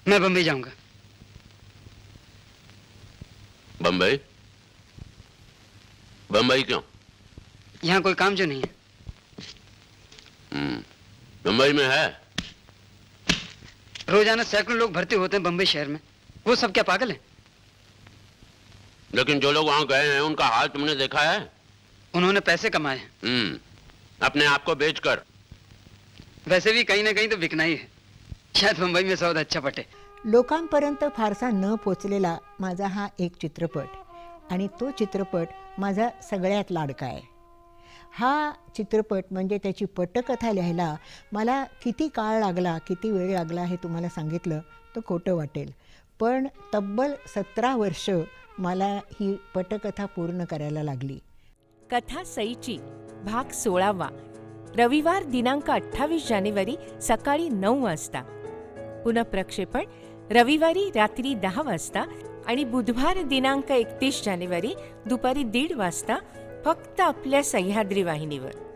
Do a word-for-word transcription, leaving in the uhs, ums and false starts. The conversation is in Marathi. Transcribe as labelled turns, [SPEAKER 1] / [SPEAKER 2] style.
[SPEAKER 1] मैं बम्बई जाऊंगा।
[SPEAKER 2] बम्बई? बम्बई क्यों?
[SPEAKER 1] यहाँ कोई काम जो नहीं है।
[SPEAKER 2] हम्म, बम्बई में है?
[SPEAKER 1] रोजाना सैकड़ों लोग भर्ती होते हैं बम्बई शहर में। वो सब क्या पागल हैं?
[SPEAKER 2] लेकिन जो लोग वहां गए हैं उनका हाल तुमने देखा है?
[SPEAKER 1] उन्होंने पैसे कमाए हैं।
[SPEAKER 2] हम्म, अपने आप को बेचकर।
[SPEAKER 1] वैसे भी कहीं ना कहीं तो बिकना ही है। शायद मुंबई में सौदा अच्छा पटे।
[SPEAKER 3] लोकांपर्यंत फारसा न पोचलेला माझा हा एक चित्रपट आणि तो चित्रपट माझा सगळ्यात लाडका आहे. हा चित्रपट म्हणजे त्याची पटकथा लिहायला मला किती काळ लागला, किती वेळ लागला हे तुम्हाला सांगितलं तर खोटं वाटेल. पण तब्बल सतरा वर्ष मला ही पटकथा पूर्ण करायला लागली.
[SPEAKER 4] कथा सईची भाग सोळावा रविवार दिनांक अठ्ठावीस जानेवारी सकाळी नऊ वाजता. पुनःप्रक्षेपण रविवारी रात्री दहा वाजता आणि बुधवार दिनांक एकतीस जानेवारी दुपारी दीड वाजता फक्त आपल्या सह्याद्री वाहिनीवर.